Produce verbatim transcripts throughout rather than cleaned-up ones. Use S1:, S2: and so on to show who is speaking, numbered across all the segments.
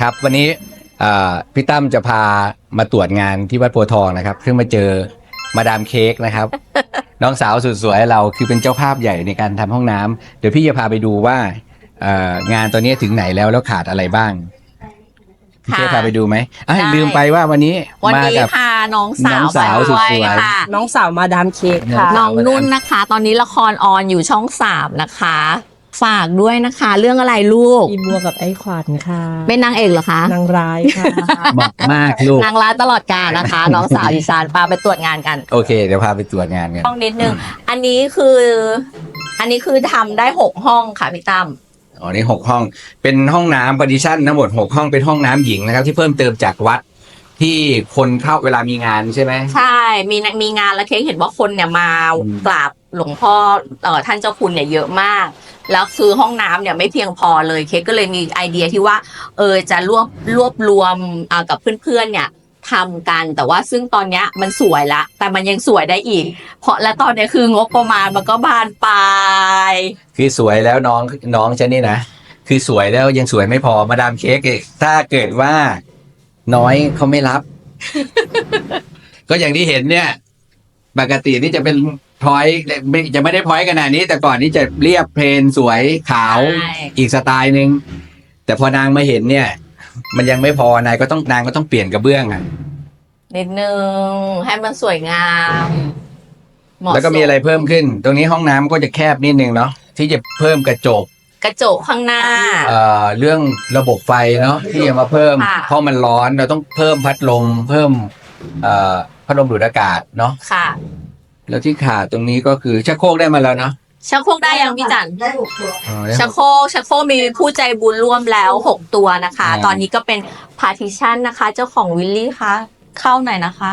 S1: ครับวันนี้พี่ตั้มจะพามาตรวจงานที่วัดโพธิ์ทองนะครับเพิ่งมาเจอมาดามเค้กนะครับ น้องสาวสุดสวยเราคือเป็นเจ้าภาพใหญ่ในการทำห้องน้ำเดี๋ยวพี่จะพาไปดูว่างานตอนนี้ถึงไหนแล้วแล้วขาดอะไรบ้างพี่เค้กพาไปดูไหมอ่ะลืมไปว่าวันนี้
S2: วันนี้พาน้องสาว
S1: สาวสุดสวย
S2: น้องสาวมาดามเค้กค่ะน้องนุ่นนะคะตอนนี้ละครออนอยู่ช่องสามนะคะฝากด้วยนะคะเรื่องอะไรลูก
S3: อีบัวกับไอ้ขวัญค่ะ
S2: เป็นนางเอกเหรอคะ
S3: นางร้ายค่ะ
S1: บอกมากลูก
S2: นางร้ายตลอดกาลนะคะ น้องสาวดิฉันพาไปตรวจงานกัน
S1: โอเคเดี๋ยวพาไปตรวจงานกัน
S2: ห้องนิดนึงอันนี้คืออันนี้คือทำได้หกห้องค่ะพี่ตั้ม
S1: อ๋อนี่หกห้องเป็นห้องน้ำพาร์ติชันทั้งหมดหกห้องเป็นห้องน้ำหญิงนะครับที่เพิ่มเติมจากวัดที่คนเข้าเวลามีงานใช่ไหม
S2: ใช่มีมีงานแล้วเค้กเห็นว่าคนเนี่ยมากราบหลวงพ่อเอ่อท่านเจ้าคุณเนี่ยเยอะมากแล้วคือห้องน้ำเนี่ยไม่เพียงพอเลยเค้กก็เลยมีไอเดียที่ว่าเออจะรวบรวบรวมอ่ากับเพื่อนๆเนี่ยทำกันแต่ว่าซึ่งตอนนี้มันสวยละแต่มันยังสวยได้อีกเพราะและตอนนี้คืองบประมาณมันก็บานปลาย
S1: คือสวยแล้วน้องน้องฉันนี่นะคือสวยแล้วยังสวยไม่พอมาดามเค้กถ้าเกิดว่าน้อยเขาไม่รับ ก็อย่างที่เห็นเนี่ยปกตินี่จะเป็นพอยต์จะไม่ได้พอยต์ขนาดนี้แต่ก่อนนี้จะเรียบเพลนสวยขาวอีกสไตล์นึงแต่พอนางมาเห็นเนี่ยมันยังไม่พอนายก็ต้องนางก็ต้องเปลี่ยนกระเบื้องอ่ะ
S2: นิดนึงให้มันสวยงาม
S1: แล้วก็มีอะไรเพิ่มขึ้นตรงนี้ห้องน้ำก็จะแคบนิดนึงเนาะที่จะเพิ่มกระจก
S2: กระจกข้างหน้า
S1: เอ่อเรื่องระบบไฟเนาะที่จะมาเพิ่มเพราะมันร้อนเราต้องเพิ่มพัดลมเพิ่มเอ่อพัดลมดูดอากาศเนาะ
S2: ค่ะ
S1: แล้วที่ขาดตรงนี้ก็คือชักโครกได้มาแล้วเนาะ
S2: ชักโครกได้ยังพี่จันได้หกตัวชักโครกชักโครกมีผู้ใจบุญร่วมแล้วหกตัวนะคะตอนนี้ก็เป็นพาร์ติชันนะคะเจ้าของวิลลี่คะเข้าหน่อยนะคะ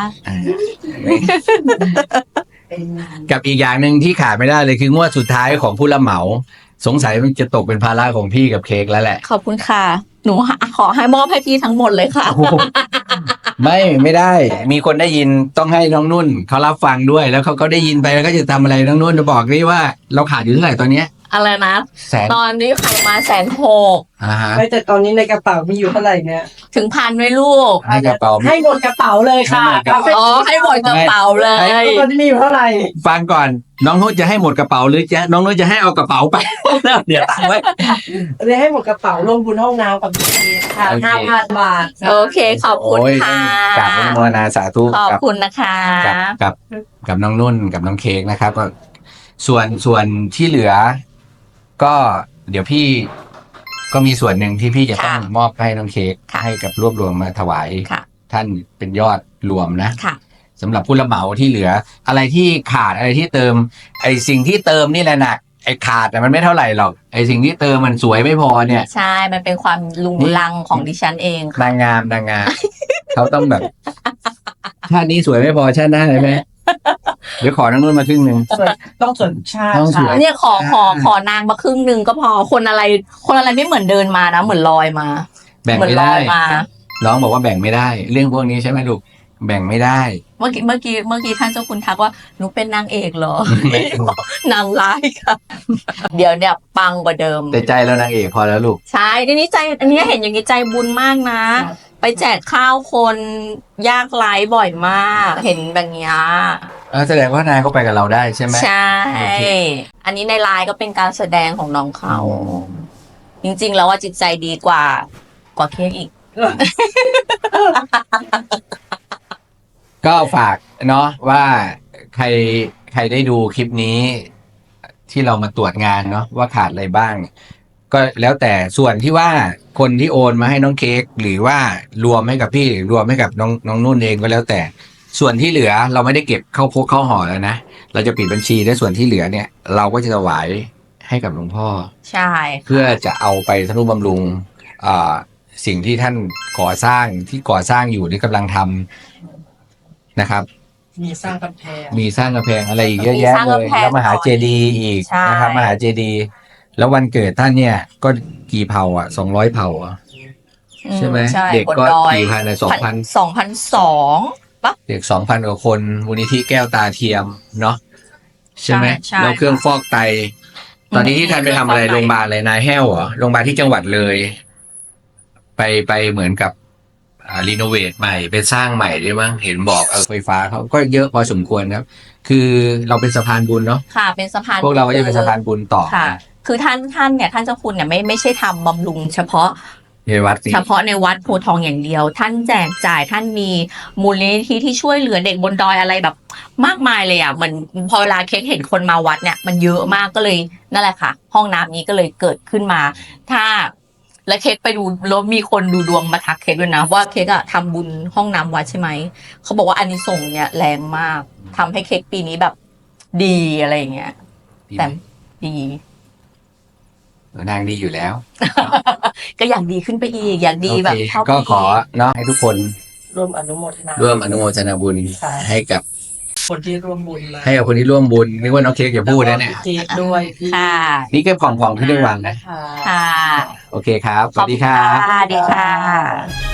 S1: กับอีกอย่างหนึ่งที่ขาดไม่ได้เลยคืองวดสุดท้ายของผู้รับเหมาสงสัยมันจะตกเป็นภาระของพี่กับเค้กแล้วแหละ
S2: ขอบคุณค่ะหนูขอให้มอบให้พี่ทั้งหมดเลยค่ะ
S1: ไม่ไม่ได้มีคนได้ยินต้องให้น้องนุ่นเขารับฟังด้วยแล้วเขาก็ได้ยินไปแล้วก็จะทำอะไรน้องนุ่นจะบอกนี่ว่าเราขาดอยู่เท่าไหร่ตอนเนี้ย
S2: อะไรนะตอนนี้ขายมาแสนหก
S3: ไม่แต่ตอนนี้ในกระเป๋ามีอยู่เท่าไหร่เนี่ย
S2: ถึงพันไหมลูก
S1: ให้กระเป๋า
S3: ให้หมดกระเป๋าเลยค่ะ
S2: อ๋อให้หมดกระเป๋าเลย
S3: ตอนนี้มีอยู่เท่าไหร่
S1: ฟังก่อนน้องนุ่นจะให้หมดกระเป๋าหรือจะน้องนุ่นจะให้เอากระเป๋าไปเดี๋ยวตั้งไว้
S3: เรียกให้หมดกระเป๋าลงบุญห้องน้ำกับพี่ค่ะห้าพันบาท
S2: โอเคขอบคุณค่ะ
S1: กราบอนุโมทนาสาธุ
S2: ขอบคุณนะคะ
S1: กับกับน้องนุ่นกับน้องเค้กนะครับก็ส่วนส่วนที่เหลือก็เดี๋ยวพี่ก็มีส่วนหนึ่งที่พี่จะต้องมอบให้น้องเค้กให้กับรวบรวมมาถวายท่านเป็นยอดรวมนะสำหรับผู้รับเหมาที่เหลืออะไรที่ขาดอะไรที่เติมไอสิ่งที่เติมนี่แหละหนักไอขาดแต่มันไม่เท่าไหร่หรอกไอสิ่งที่เติมมันสวยไม่พอเนี่ย
S2: ใช่มันเป็นความลุงลังของดิฉันเอง
S1: นางงามนางงามเขาต้องแบบชาตินี้สวยไม่พอชาติหน้าใช่ไหมเดี๋ยวขอน้องนุ่นมาครึ่งหนึ่ง
S3: ต้องส่วนชาติ
S2: เนี่ยขอขอขอนางมาครึ่งหนึ่งก็พอคนอะไรคนอะไรไม่เหมือนเดินมานะเหมือนลอยมา
S1: แบ่งไม่ได้น้องบอกว่าแบ่งไม่ได้เรื่องพวกนี้ใช่ไหมลูกแบ่งไม่ได้
S2: เมื่อกี้เมื่อกี้เมื่อกี้ท่านเจ้าคุณทักว่าหนูเป็นนางเอกเหรอนางร้ายค่ะเดี๋ยวเนี่ยปังกว่าเดิม
S1: แต่ใจแล้วนางเอกพอแล้วลูก
S2: ใช่ทีนี้ใจอันนี้เห็นอย่างนี้ใจบุญมากนะไปแจกข้าวคนยากไร้บ่อยมากเห็นแบบนี้
S1: แสดงว่านายก็ไปกับเราได้ใช่ไหม
S2: ใช่อันนี้ในไลน์ก็เป็นการแสดงของน้องเขาจริงๆแล้วว่าจิตใจดีกว่ากว่าเค้กอีก
S1: ก็ฝากเนาะว่าใครใครได้ดูคลิปนี้ที่เรามาตรวจงานเนาะว่าขาดอะไรบ้างก็แล้วแต่ส่วนที่ว่าคนที่โอนมาให้น้องเค้กหรือว่ารวมให้กับพี่หรือรวมให้กับน้องน้องนุ่นเองก็แล้วแต่ส่วนที่เหลือเราไม่ได้เก็บเข้าพกเข้าห่อแล้วนะเราจะปิดบัญชีและส่วนที่เหลือเนี่ยเราก็จะถวายให้กับหลวงพ่อ
S2: ใช่
S1: เพื่อจะเอาไปทนุบำรุงอ่าสิ่งที่ท่านก่อสร้างที่ก่อสร้างอยู่หรือกำลังทำนะครับ
S3: มีสร้างกำแพง
S1: มีสร้างกำแพงอะไรอีกเยอะแยะเลยแล้วมหาเจดีย์อีกนะครับมหาเจดีย์แล้ววันเกิดท่านเนี่ยก็กี่เผ่าอ่ะสองร้อยเผ่าอ่ะใช่ไหมเด็กก็กี่พันอ่ะสองพัน
S2: สองพันสองปะ
S1: เด็กสองพันกว่าคนมูลนิธิแก้วตาเทียมเนาะใช่ไหมแล้วเครื่องฟอกไตตอนนี้ที่ท่านไปทำอะไรโรงพยาบาลอะไรนายแห้วเหรอโรงพยาบาลที่จังหวัดเลยไปไปเหมือนกับอ่ารีโนเวทใหม่ไปสร้างใหม่ด้วยมั้งเห็นบอกเออไฟฟ้าเขาก็เยอะพอสมควรครับ คือเราเป็นสะพานบุญเนาะ
S2: ค่ะ เป็นสะพาน
S1: พวกเราก็จะเป็นสะพานบุญต่อ
S2: ค่ะ คือท่านท่านเนี่ยท่านเจ้าคุณเนี่ยไม่ไม่ใช่ทำบำรุงเฉพาะ
S1: ในวัดนี้
S2: เฉพาะในวัดโพธิ์ทองอย่างเดียว ท่านแจกจ่ายท่านมีมูลนิธิที่ช่วยเหลือเด็กบนดอยอะไรแบบมากมายเลยอ่ะเหมือนพอเวลาเค้กเห็นคนมาวัดเนี่ยมันเยอะมากก็เลยนั่นแหละค่ะ ห้องน้ำนี้ก็เลยเกิดขึ้นมา ถ้าและเค้กไปดูแล้วมีคนดูดวงมาทักเค้กด้วยนะว่าเค้กอะทำบุญห้องน้ำวัดใช่ไหมเขาบอกว่าอานิสงส์เนี่ยแรงมากทำให้เค้กปีนี้แบบดีอะไรอย่างเงี้ยแต่ดี
S1: นางดีอยู่แล้ว
S2: ก็อยากดีขึ้นไปอีกอยากดีแบบ
S1: โอเค
S2: เท่า
S1: ก็
S2: ปี
S1: ขอเนาะให้ทุกคน
S3: ร่วมอนุโมทนา
S1: ร่วมอนุโมทนาบุญ
S3: ค่ะ
S1: ให้กับ
S3: คนที่ร่วมบุญมา
S1: ให้กับคนที่ร่วมบุญนึกว่าน้องเค้กอย่าพูดนะเนี่ย
S3: เค้กด้วยที่
S2: ค่ะ
S1: นี่เก็บของของที่ได้วางนะ
S3: ค่ะ
S2: ค่ะ
S1: โอเคครับ ส
S2: ขอ
S1: วั
S2: บ
S1: สดี
S2: คุณ
S1: ครับ
S2: ค่ะสวัสดีค่ะ